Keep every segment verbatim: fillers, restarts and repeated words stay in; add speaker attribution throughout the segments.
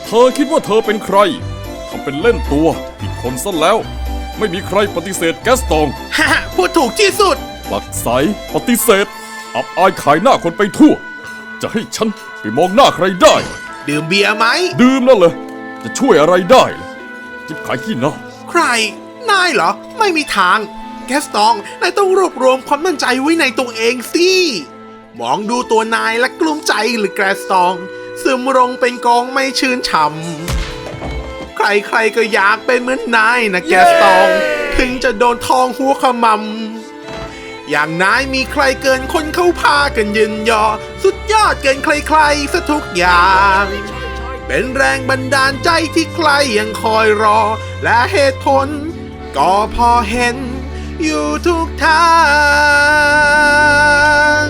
Speaker 1: ธอคิดว่าเธอเป็นใครทำเป็นเล่นตัวผิดคนซะแล้วไม่มีใครปฏิเสธแกสตอง
Speaker 2: ฮ่าพูดถูกที่สุด
Speaker 1: หลักใสปฏิเสธอับอายขายหน้าคนไปทั่วจะให้ฉันไปมองหน้าใครได้
Speaker 2: ดื่มเบียร์ไหม
Speaker 1: ดื่มนั่นเลยจะช่วยอะไรได้ล่ะจิบขายขี้หน้า
Speaker 2: ใครนายเหรอไม่มีทางแกสตองนายต้องรวบรวมความมั่นใจไว้ในตัวเองสิมองดูตัวนายและกลุ้มใจหรือแกสตองซึมลงเป็นกองไม่ชื่นช่ำใครๆก็อยากเป็นเหมือนนายนะแกสตองถึงจะโดนทองหัวขมำอย่างนายมีใครเกินคนเขาพากันยืนยอสุดยอดเกินใครๆซะทุกอย่างเป็นแรงบันดาลใจที่ใครยังคอยรอและเหตุผลก็พอเห็นอยู่ทุกทาง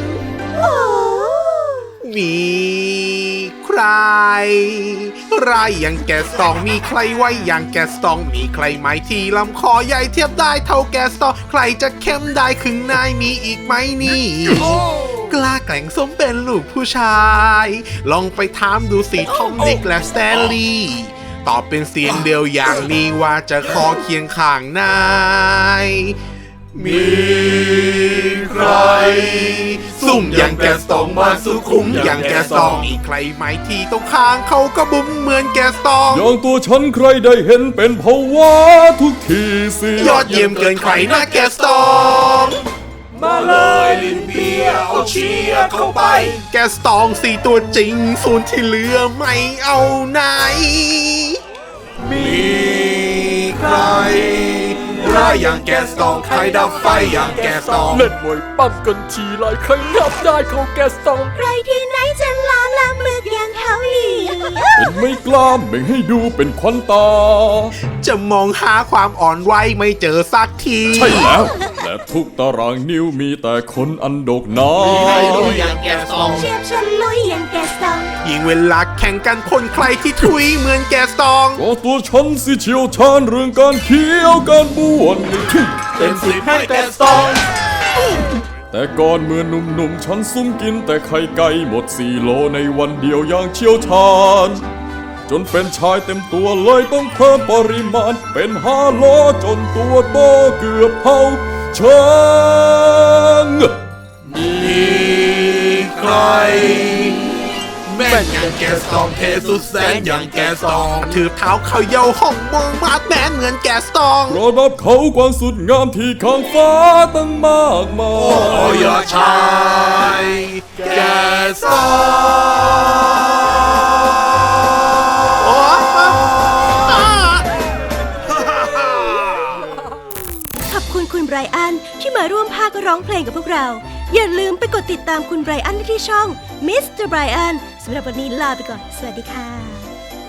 Speaker 2: มีใครไรอย่างแกสตองมีใครไว้อย่างแกสตองมีใครไหมที่ลำคอใหญ่เทียบได้เท่าแกสตองใครจะเข้มได้ขึงนายมีอีกไหมนี่กล้าแกล่งสมเป็นลูกผู้ชายลองไปถามดูสิทอมนิกและสแตนลีย์ตอบเป็นเสียงเดียวอย่างนี้ว่าจะขอเคียงข้างนายมีใครซุ่มอย่างแกสตองมาสุขุมอย่างแกสตองมีใครไหมที่ตรงข้างเขาก็บุ้มเหมือนแกสตอง
Speaker 1: อย่างตัวฉันใครได้เห็นเป็นภาวะทุกทีสิ
Speaker 2: ยอดเยี่ยมเกินใครนะแกสตองมาเลยลินเบียเอาเชียร์เข้าไปแกสตองสี่ตัวจริงส่วนที่เหลือไม่เอาไหนมีใครร้ายอย่างแกสตองใครดับไฟอย่างแกสตอง
Speaker 1: เล่นมวยปั้มกันทีไรใครนับได้เขาแกสตอง
Speaker 3: ใครที่ไหนจะล้อละมึกอย่างเขาอีก
Speaker 1: เป็นไม่กล้าไม่ให้ดูเป็นควันตา
Speaker 2: จะมองหาความอ่อนไหวไม่เจอสักที
Speaker 1: ใช่แล้วและทุกตารางนิ้วมีแต่คนอันดกหนา
Speaker 2: มีใครลุยอย่างแกสตอง
Speaker 3: เชียบชนลุยอย่างแกสตอง
Speaker 2: ยิ่งเวลาแข่งกันคนใครที่ทุยเหมือนแกสตอง
Speaker 1: ก็ตัวฉันสิเชี่ยวชาญเรื่องการเคี้ยวการบ้วนในที่
Speaker 2: เต็มสิบให้แกสตอง
Speaker 1: แต่ก่อนเมื่อหนุ่มๆฉันซุ่มกินแต่ไข่ไก่หมดสี่โลในวันเดียวอย่างเชี่ยวชาญจนเป็นชายเต็มตัวเลยต้องเพิ่มปริมาณเป็นห้าโลจนตัวโตเกือบเท่าช้าง
Speaker 2: มีใครแม่นอย่างแกสตองเทสุดแสนอย่างแกสตองถือเท้าเขาเยาห้องมองมาดแมนเหมือนแกสตอง
Speaker 1: ระดับเขากว้างสุดงามที่ข้างฟ้าตั้งมากมาย
Speaker 2: โอ้ยชายแกสต
Speaker 3: ขอบคุณคุณไบรอันที่มาร่วมพากย์ร้องเพลงกับพวกเราอย่าลืมไปกดติดตามคุณไบรอันที่ช่องมิสเตอร์ไบรอันสำหรับวันนี้ลาไปก่อนสวัสดีค่ะ